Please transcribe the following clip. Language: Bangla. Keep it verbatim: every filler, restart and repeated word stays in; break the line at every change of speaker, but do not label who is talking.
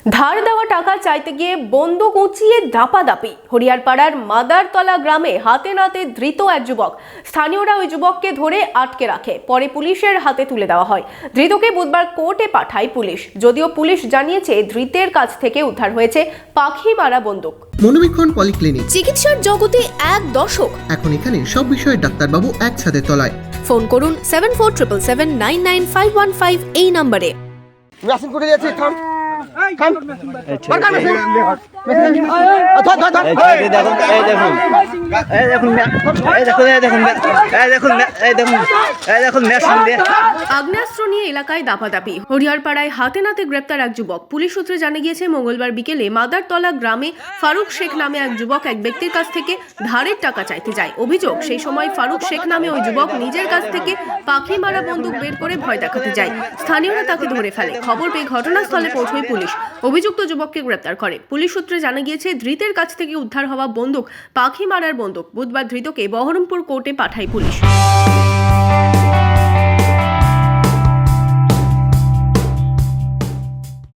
ধার দেওয়া টাকা চাইতে গিয়ে বন্দুক উঁচিয়ে দাপাদাপি। হরিয়ারপাড়ার মাদারতলা গ্রামে হাতে নাতে ধৃত এক যুবক। স্থানীয়রা ওই যুবককে ধরে আটকে রাখে, পরে পুলিশের হাতে তুলে দেওয়া হয়। ধৃতকে বুধবার কোর্টে পাঠায় পুলিশ। যদিও পুলিশ জানিয়েছে ধৃতের কাছ থেকে উদ্ধার হয়েছে পাখি মারা বন্দুক।
মনোবীক্ষণ পলিক্লিনিক,
চিকিৎসার জগতে এক দশক।
এখন এখানে সব বিষয়ে ডাক্তারবাবু একসাথে তলায়।
ফোন করুন seven four triple seven nine nine five one five এই নম্বরে।
মেশিন করে যাচ্ছে, থাম থাম বার কর মেশিন। ধর ধর ধর
এই দেখুন এই দেখুন এই দেখুন এই দেখুন এই দেখুন এই দেখুন এই দেখুন এই দেখুন মেশিন দিয়ে
আগ্নেয়াস্ত্র নিয়ে এলাকায় দাপাদাপি। হরিয়ারপাড়ায় হাতে নাতে গ্রেপ্তার এক যুবক। পুলিশ সূত্রে জানা গিয়েছে মঙ্গলবার বিকেলে মাদারতলা গ্রামে ফারুক শেখ নামে এক যুবক এক ব্যক্তির কাছ থেকে ধারের টাকা চাইতে যায়। অভিযোগ, সেই সময় ফারুক শেখ নামে ওই যুবক নিজের কাছ থেকে পাখি মারা বন্দুক বের করে ভয় দেখাতে যায়। স্থানীয়রা তাকে ধরে ফেলে। খবর পেয়ে ঘটনাস্থলে পৌঁছয় পুলিশ। অভিযুক্ত যুবককে গ্রেপ্তার করে। পুলিশ সূত্রে জানা গিয়েছে ধৃতের কাছ থেকে উদ্ধার হওয়া বন্দুক পাখি মারার বন্দুক। বুধবার ধৃতকে বহরমপুর কোর্টে পাঠায় পুলিশ।